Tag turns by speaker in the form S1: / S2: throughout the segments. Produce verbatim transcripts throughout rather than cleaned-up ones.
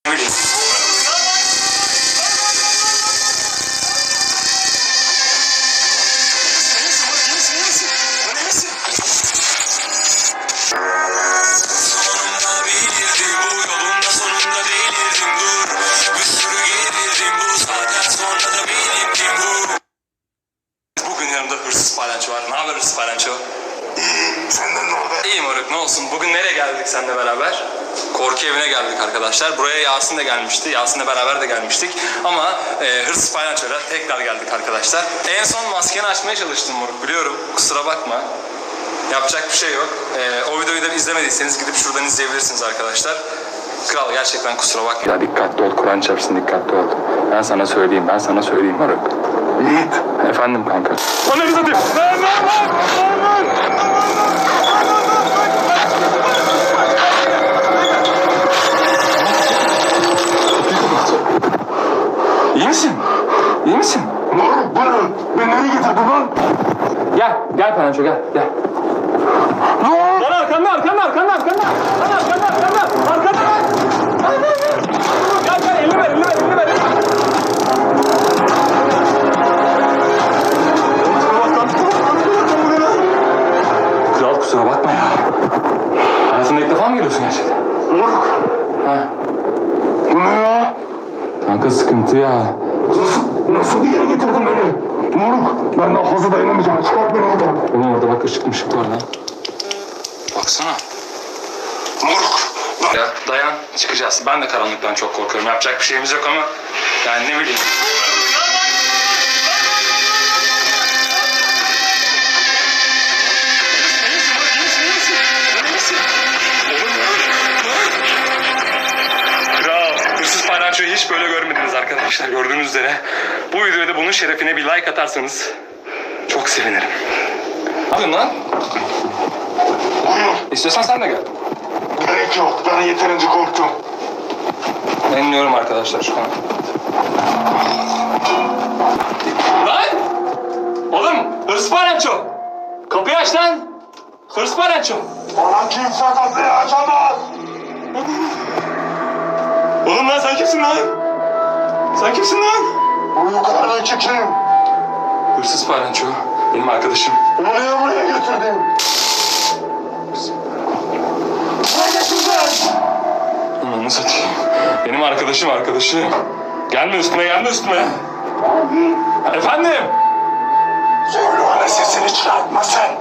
S1: Palyaço var. Ne haber hırsız palyaço?
S2: İyi, senden ne haber?
S1: İyi moruk, ne olsun. Bugün nereye geldik seninle beraber? Korku evine geldik arkadaşlar. Buraya Yasin de gelmişti. Yasin'le beraber de gelmiştik. Ama e, hırsız palyaçoyla tekrar geldik arkadaşlar. En son maskeni açmaya çalıştım moruk, biliyorum. Kusura bakma. Yapacak bir şey yok. E, o videoyu da izlemediyseniz gidip şuradan izleyebilirsiniz arkadaşlar. Kral gerçekten kusura bakma. Ya dikkatli ol, Kur'an çarpsın, dikkatli ol. Ben sana söyleyeyim, ben sana söyleyeyim moruk.
S2: Yiğit.
S1: Efendim kanka.
S2: Bana bir satayım. Lan lan lan.
S1: İyi misin? İyi misin?
S2: Moruk bu ne? Beni nereye getirdin lan?
S1: Gel, gel Pananço gel, gel.
S2: Lan!
S1: Lan arkanda, arkanda, arkanda, arkanda. Lan arkanda, arkanda, arkanda lan. Gel, gel, elini ver, elini ver, elini ver. Kral kusura bakma ya. Hayatında ilk defa mı geliyorsun gerçekten?
S2: Moruk.
S1: Ha.
S2: Bu ne ya?
S1: Kanka sıkıntı ya.
S2: Nasıl, nasıl bir yere getirdin beni? Moruk, ben daha fazla dayanamayacağım. Çıkart beni oradan.
S1: Oğlum orada bak ışık mışık var lan. Baksana.
S2: Moruk. Lan.
S1: Ya dayan, çıkacağız. Ben de karanlıktan çok korkuyorum. Yapacak bir şeyimiz yok ama yani ne bileyim. Kral, hırsız palyaçoyu hiç böyle görmediniz arkadaşlar. Gördüğünüz üzere. Bu videoya da bunun şerefine bir like atarsanız çok sevinirim. Ne yapıyorsun lan?
S2: Buyur.
S1: İstiyorsan sen de gel.
S2: Gerek yok. Ben yeterince korktum.
S1: Ben iniyorum arkadaşlar şu an. Lan! Oğlum hırsız palyaço! Kapıyı aç lan! Hırsız palyaço!
S2: Bana kimse kapıyı açamaz.
S1: Oğlum lan sen kimsin lan? Sen kimsin lan?
S2: Bunu o kadar ben kim?
S1: Hırsız palyaço. Benim arkadaşım.
S2: Bunu niye buraya getirdin? Ne getirdin?
S1: Onu satayım. Benim arkadaşım arkadaşım. Gelme üstüme gelme üstüme. Efendim?
S2: Söyle ona sesini çıkartma sen.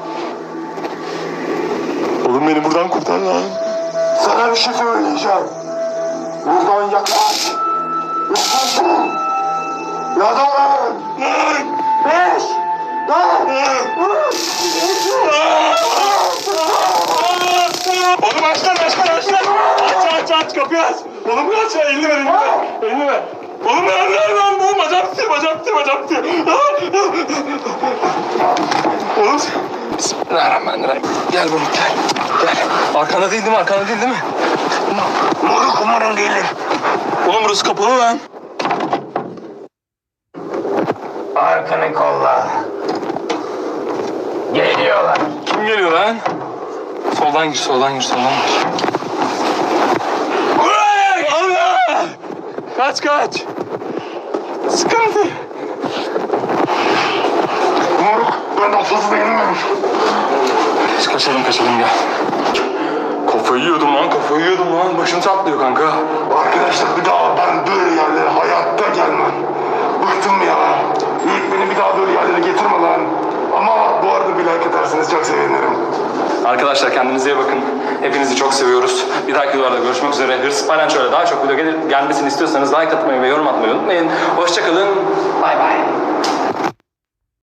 S1: Oğlum beni buradan kurtar lan.
S2: Sana bir şey söyleyeceğim. Buradan yaklaş. Yaklaş. Ya da öl. Beş. Dört.
S1: Oğlum aç lan aç lan aç lan. Aç aç aç kapıyı aç. Oğlum aç ya elini ver elini ver. Elini ver. Oğlum ver ver ver. Oğlum bacak tutuyor bacak tutuyor bacak tutuyor. Oğlum. Bismillahirrahmanirrahim. Gel bunu gel. Gel. Arkanda değil değil mi? Arkanda değil değil mi?
S2: Moruk umarım gelir.
S1: Oğlum burası kapalı lan.
S2: Arkanı kolla. Geliyorlar.
S1: Kim geliyor lan? Soldan gir soldan gir soldan gir. Allah! Kaç kaç. Sıkıntı.
S2: Moruk ben daha fazla dayanamıyorum.
S1: Biz kaçalım kaçalım gel. Kafayı yiyordum lan kafayı yiyordum lan. Başım çatlıyor kanka.
S2: Arkadaşlar bir daha ben böyle yerlere hayatta gelmem. Bıktım ya. Yiğit beni bir daha böyle yerlere getirme lan. Ama bu arada bir like ederseniz çok sevinirim.
S1: Arkadaşlar kendinize iyi bakın. Hepinizi çok seviyoruz. Bir dahaki videoda görüşmek üzere. Hırsız palyaçoyla daha çok video gelir, gelmesini istiyorsanız like atmayı ve yorum atmayı unutmayın. Hoşçakalın. Bay bay.